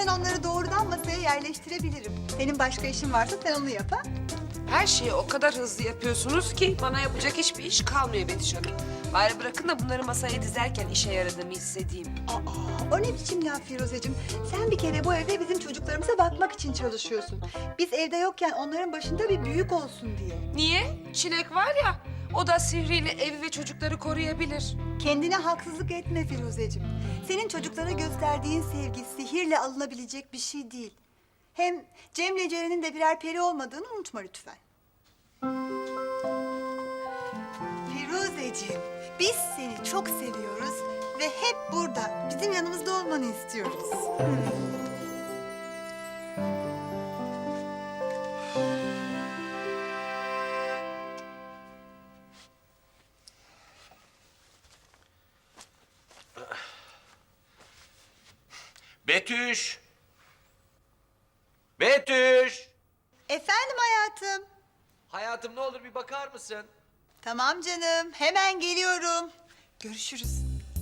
İstersen onları doğrudan masaya yerleştirebilirim. Senin başka işin varsa sen onu yap ha. Her şeyi o kadar hızlı yapıyorsunuz ki bana yapacak hiçbir iş kalmıyor Betüş Hanım. Bari bırakın da bunları masaya dizerken işe yaradığımı hissedeyim. Aa, o ne biçim laf Firuzeciğim? Sen bir kere bu evde bizim çocuklarımıza bakmak için çalışıyorsun. Biz evde yokken onların başında bir büyük olsun diye. Niye? Çilek var ya, o da sihriyle evi ve çocukları koruyabilir. Kendine haksızlık etme Firuzeciğim. Senin çocuklara gösterdiğin sevgi sihirle alınabilecek bir şey değil. Hem Cem'le Ceren'in de birer peri olmadığını unutma lütfen. Firuzeciğim, biz seni çok seviyoruz ve hep burada, bizim yanımızda olmanı istiyoruz. Betüş! Betüş! Efendim hayatım. Hayatım ne olur bir bakar mısın? Tamam canım, hemen geliyorum. Görüşürüz.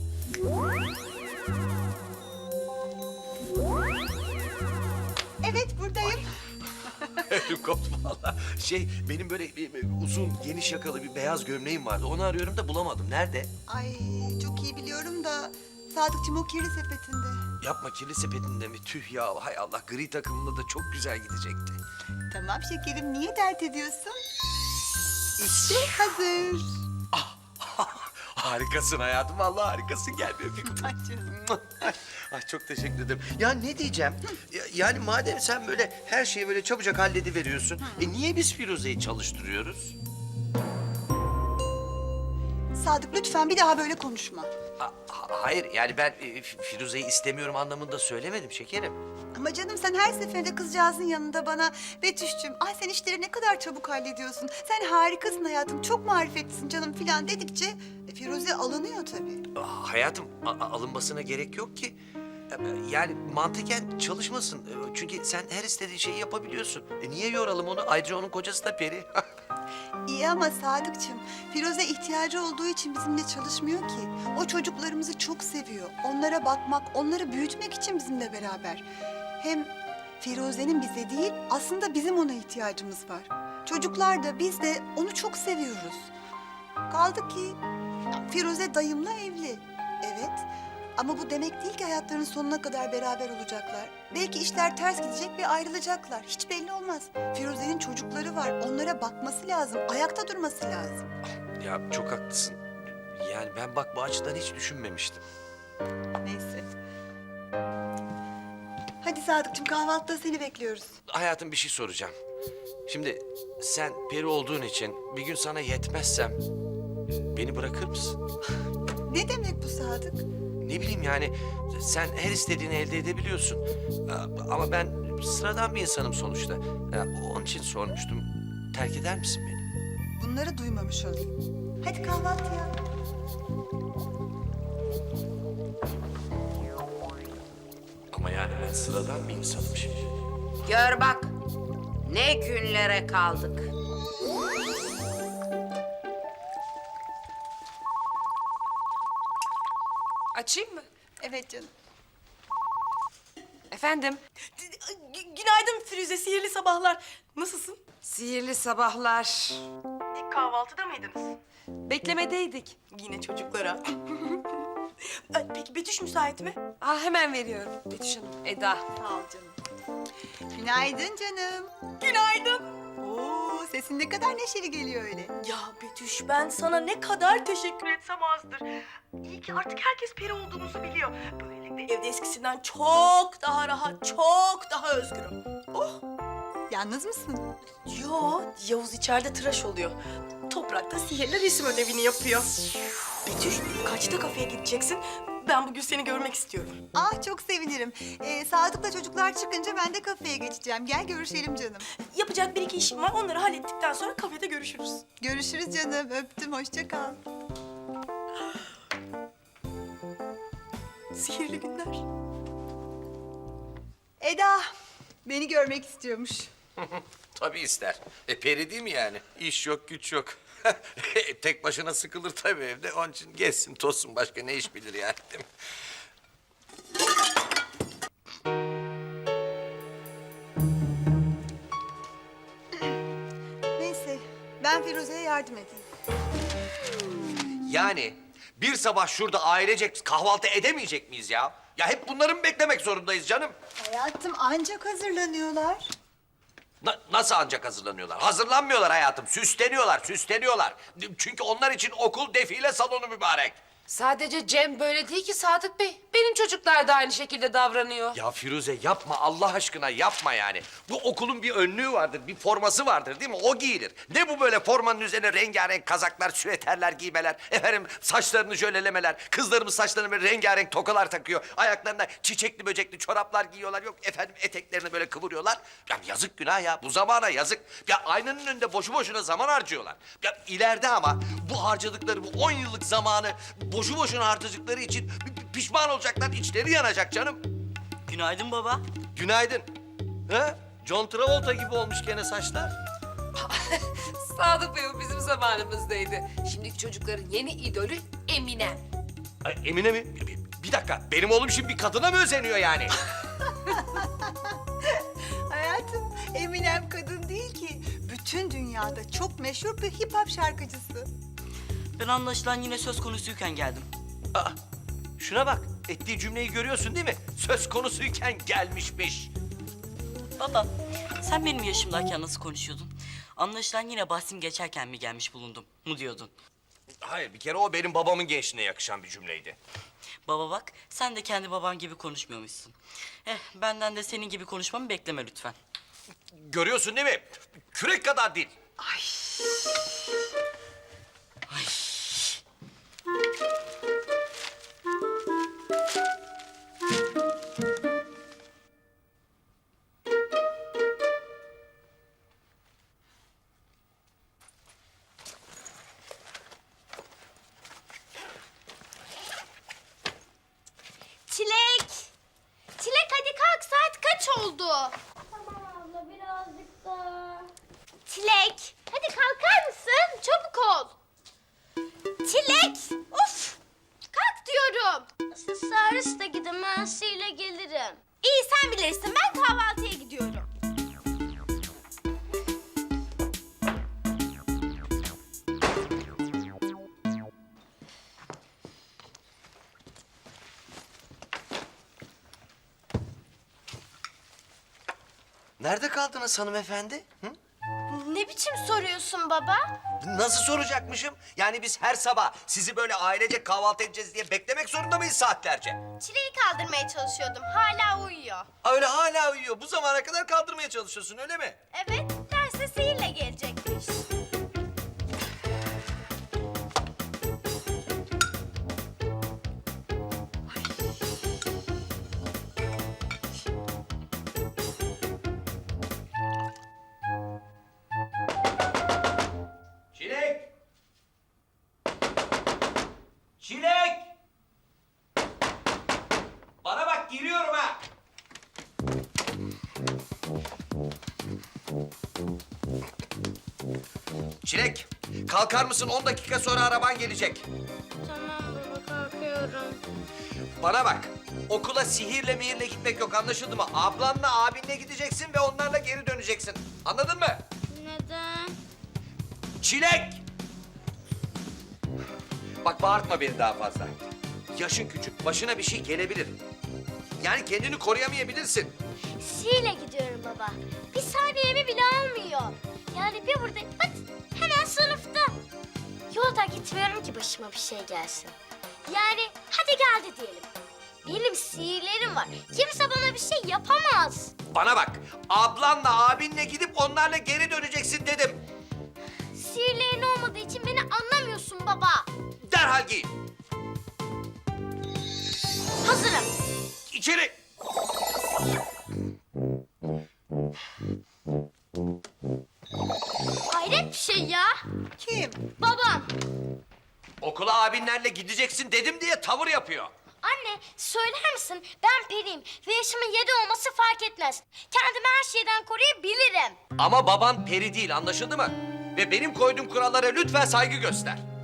Evet, buradayım. Ödüm koptu valla. Benim böyle uzun, geniş yakalı bir beyaz gömleğim vardı. Onu arıyorum da bulamadım. Nerede? Ay, çok iyi biliyorum da Sadıkçım o kirli sepetinde. Yapma, kirli sepetinde mi? Tüh ya, hay Allah. Gri takımında da çok güzel gidecekti. Tamam şekerim, niye dert ediyorsun? İşte hazır. Harikasın hayatım, vallahi harikasın. Gel bir öpeyim. Ay canım. Ay çok teşekkür ederim. Ya ne diyeceğim? Yani madem sen böyle her şeyi böyle çabucak hallediveriyorsun... niye biz Firuze'yi çalıştırıyoruz? Sadık lütfen bir daha böyle konuşma. Hayır, yani ben Firuze'yi istemiyorum anlamında söylemedim şekerim. Ama canım sen her seferinde kızcağızın yanında bana Betüş'cüm, ay sen işleri ne kadar çabuk hallediyorsun. Sen harikasın hayatım, çok marifetlisin canım filan dedikçe Firuze alınıyor tabii. Hayatım, alınmasına gerek yok ki. Yani mantıken çalışmasın. Çünkü sen her istediğin şeyi yapabiliyorsun. Niye yoralım onu? Ayrıca onun kocası da peri. İyi ama Sadıkçım, Firuze ihtiyacı olduğu için bizimle çalışmıyor ki. O çocuklarımızı çok seviyor. Onlara bakmak, onları büyütmek için bizimle beraber. Hem Firuze'nin bize değil, aslında bizim ona ihtiyacımız var. Çocuklar da biz de onu çok seviyoruz. Kaldı ki Firuze dayımla evli. Evet. Ama bu demek değil ki hayatlarının sonuna kadar beraber olacaklar. Belki işler ters gidecek ve ayrılacaklar. Hiç belli olmaz. Firuze'nin çocukları var. Onlara bakması lazım. Ayakta durması lazım. Ya çok haklısın. Yani ben bak bu açıdan hiç düşünmemiştim. Neyse. Hadi Sadıkçım kahvaltıda seni bekliyoruz. Hayatım bir şey soracağım. Şimdi sen peri olduğun için bir gün sana yetmezsem beni bırakır mısın? Ne demek bu Sadık? Ne bileyim yani sen her istediğini elde edebiliyorsun. Ama ben sıradan bir insanım sonuçta. Onun için sormuştum. Terk eder misin beni? Bunları duymamış olayım. Hadi kahvaltıya. Ama yani ben sıradan bir insanım şimdi. Gör bak, ne günlere kaldık. Açayım mı? Evet canım. Efendim? Günaydın Firuze, sihirli sabahlar. Nasılsın? Sihirli sabahlar. Kahvaltıda mıydınız? Beklemedeydik. Yine çocuklara. Peki Betüş müsait mi? Hemen veriyorum Betüş Hanım. Eda. Sağ ol canım. Günaydın canım. Günaydın. Oo, sesin ne kadar neşeli geliyor öyle. Ya Betüş, ben sana ne kadar teşekkür etsem azdır. İyi ki artık herkes peri olduğumuzu biliyor. Böylelikle evde eskisinden çok daha rahat, çok daha özgürüm. Oh! Yalnız mısın? Yo, Yavuz içeride tıraş oluyor. Toprak da sihirli resim ödevini yapıyor. Betüş, kaçta kafeye gideceksin? Ben bugün seni görmek istiyorum. Ah çok sevinirim. Sadık'la çocuklar çıkınca ben de kafeye geçeceğim. Gel görüşelim canım. Yapacak bir iki işim var. Onları hallettikten sonra kafede görüşürüz. Görüşürüz canım. Öptüm. Hoşça kal. Sihirli günler. Eda beni görmek istiyormuş. Tabii ister. Peri değil mi yani? İş yok, güç yok. Tek başına sıkılır tabii evde. Onun için gezsin, tozsun. Başka ne iş bilir yani değil mi? Ben Firuze'ye yardım edeyim. Yani bir sabah şurada ailecek kahvaltı edemeyecek miyiz ya? Ya hep bunları mı beklemek zorundayız canım? Hayatım ancak hazırlanıyorlar. Nasıl ancak hazırlanıyorlar? Hazırlanmıyorlar hayatım. Süsleniyorlar, süsleniyorlar. Çünkü onlar için okul defile salonu mübarek. Sadece Cem böyle değil ki Sadık Bey. Benim çocuklar da aynı şekilde davranıyor. Ya Firuze yapma Allah aşkına yapma yani. Bu okulun bir önlüğü vardır, bir forması vardır değil mi? O giyilir. Ne bu böyle formanın üzerine rengarenk kazaklar, süveterler giymeler, efendim saçlarını jölelemeler, kızlarımız saçlarına böyle rengarenk tokalar takıyor, ayaklarına çiçekli böcekli çoraplar giyiyorlar, yok efendim eteklerini böyle kıvırıyorlar. Ya yazık günah ya, bu zamana yazık. Ya aynanın önünde boşu boşuna zaman harcıyorlar. Ya ileride ama bu harcadıkları bu 10 yıllık zamanı boşu boşuna harcadıkları için pişman olacaklar, içleri yanacak canım. Günaydın baba. Günaydın. Ha? John Travolta gibi olmuş gene saçlar. Sadık Bey o bizim zamanımızdaydı. Şimdiki çocukların yeni idolü Eminem. Ay, Emine mi? Bir dakika, benim oğlum şimdi bir kadına mı özeniyor yani? Hayatım Eminem kadın değil ki. Bütün dünyada çok meşhur bir hip hop şarkıcısı. Ben anlaşılan yine söz konusuyken geldim. Aa, şuna bak, ettiği cümleyi görüyorsun değil mi? Söz konusuyken gelmişmiş. Baba, sen benim yaşımdayken nasıl konuşuyordun? Anlaşılan yine bahsim geçerken mi gelmiş bulundum mu diyordun? Hayır, bir kere o benim babamın gençliğine yakışan bir cümleydi. Baba bak, sen de kendi baban gibi konuşmuyormuşsun. Benden de senin gibi konuşmamı bekleme lütfen. Görüyorsun değil mi? Kürek kadar değil. Çilek! Çilek hadi kalk saat kaç oldu? Tamam abla birazcık daha. Çilek hadi kalkar mısın? Çabuk ol. Çilek! Of! Kalk diyorum. Siz serviste gidin ben sizinle gelirim. İyi sen bilirsin ben kahvaltıya gidiyorum. Nerede kaldınız hanımefendi? Hı? Ne biçim soruyorsun baba? Nasıl soracakmışım? Yani biz her sabah sizi böyle ailecek kahvaltı edeceğiz diye beklemek zorunda mıyız saatlerce? Çileği kaldırmaya çalışıyordum. Hala uyuyor. Öyle hala uyuyor. Bu zamana kadar kaldırmaya çalışıyorsun öyle mi? Evet, derse sihirle gelecekmiş. Çilek! Çilek! Bana bak giriyorum ha! Çilek, kalkar mısın? 10 dakika sonra araban gelecek. Tamam baba, kalkıyorum. Bana bak, okula sihirle mihirle gitmek yok anlaşıldı mı? Ablanla abinle gideceksin ve onlarla geri döneceksin. Anladın mı? Neden? Çilek! Bak bağırtma beni daha fazla. Yaşın küçük, başına bir şey gelebilir. Yani kendini koruyamayabilirsin. Sihirle gidiyorum baba. Bir saniyemi bile almıyor. Yani bir burada, bak hemen sınıfta. Yolda gitmiyorum ki başıma bir şey gelsin. Yani hadi geldi diyelim. Benim sihirlerim var. Kimse bana bir şey yapamaz. Bana bak, ablanla abinle gidip onlarla geri döneceksin dedim. Sihirlerin olmadığı için beni anlamıyorsun baba. Derhal giy. Hazırım. İçeri. Hayret bir şey ya. Kim? Babam. Okula abinlerle gideceksin dedim diye tavır yapıyor. Anne söyler misin? Ben periyim ve yaşımın 7 olması fark etmez. Kendimi her şeyden koruyabilirim. Ama baban peri değil anlaşıldı mı? Ve benim koyduğum kurallara lütfen saygı göster.